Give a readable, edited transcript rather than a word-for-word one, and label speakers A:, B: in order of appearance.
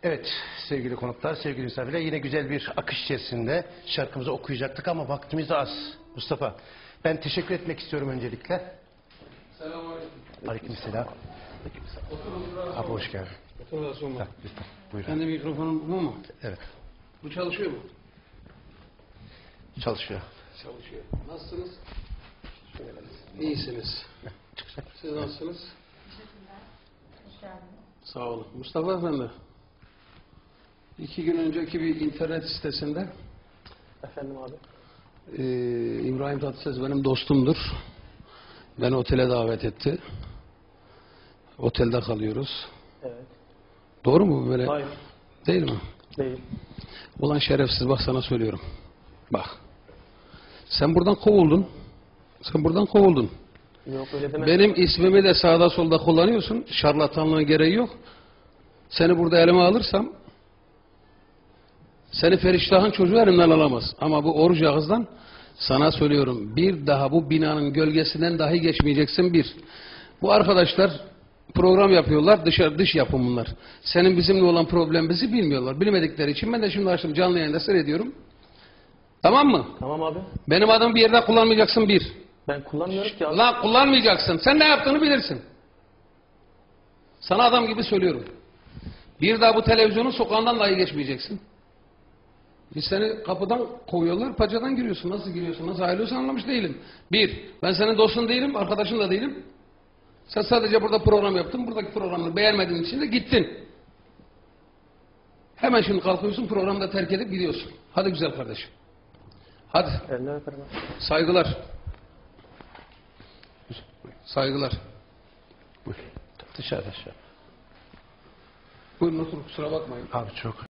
A: Evet sevgili konuklar, sevgili misafirler, yine güzel bir akış içerisinde şarkımızı okuyacaktık ama vaktimiz de az. Mustafa, ben teşekkür etmek istiyorum öncelikle.
B: Selamünaleyküm.
A: Aleykümselam. Abi hoş geldin.
B: Otur da sorma.
A: Lütfen, buyurun.
B: Kendi mikrofonun bu mu?
A: Evet,
B: Bu çalışıyor mu?
A: çalışıyor.
B: Çalışıyor. Nasılsınız? İyisiniz. Siz nasılsınız?
C: Hoş geldiniz.
B: Sağ olun. Mustafa Efendi. 2 gün önceki bir internet sitesinde
D: Efendim abi.
B: İbrahim Tatlıses benim dostumdur. Beni otele davet etti. Otelde kalıyoruz.
D: Evet.
B: Doğru mu bu böyle?
D: Hayır.
B: Değil mi?
D: Değil.
B: Ulan şerefsiz, bak sana söylüyorum. Bak. Sen buradan kovuldun. Sen buradan kovuldun.
D: Yok öyle deme.
B: Benim ismimi de sağda solda kullanıyorsun. Şarlatanlığın gereği yok. Seni burada elime alırsam seni Feriştah'ın çocuğu elimden alamaz. Ama bu oruç ağızdan sana söylüyorum. Bir daha bu binanın gölgesinden dahi geçmeyeceksin bir. Bu arkadaşlar program yapıyorlar. Dış yapım bunlar. Senin bizimle olan problemimizi bilmiyorlar. Bilmedikleri için ben de şimdi açtım canlı yayında seyrediyorum. Tamam mı?
D: Tamam abi.
B: Benim adımı bir yerde kullanmayacaksın bir.
D: Ben kullanmıyorum ki abi.
B: Lan kullanmayacaksın. Sen ne yaptığını bilirsin. Sana adam gibi söylüyorum. Bir daha bu televizyonun sokağından dahi geçmeyeceksin. Biz seni kapıdan kovuyorlar, paçadan giriyorsun. Nasıl giriyorsun, nasıl ayrılıyorsun anlamış değilim. Bir, ben senin dostun değilim, arkadaşın da değilim. Sen sadece burada program yaptın, buradaki programını beğenmediğin için de gittin. Hemen şimdi kalkıyorsun, programı da terk edip gidiyorsun. Hadi güzel kardeşim. Hadi.
D: Eline öperim abi.
B: Saygılar. Saygılar.
A: Buyur. Dışarıda.
B: Buyurun oturun, kusura bakmayın.
A: Abi çok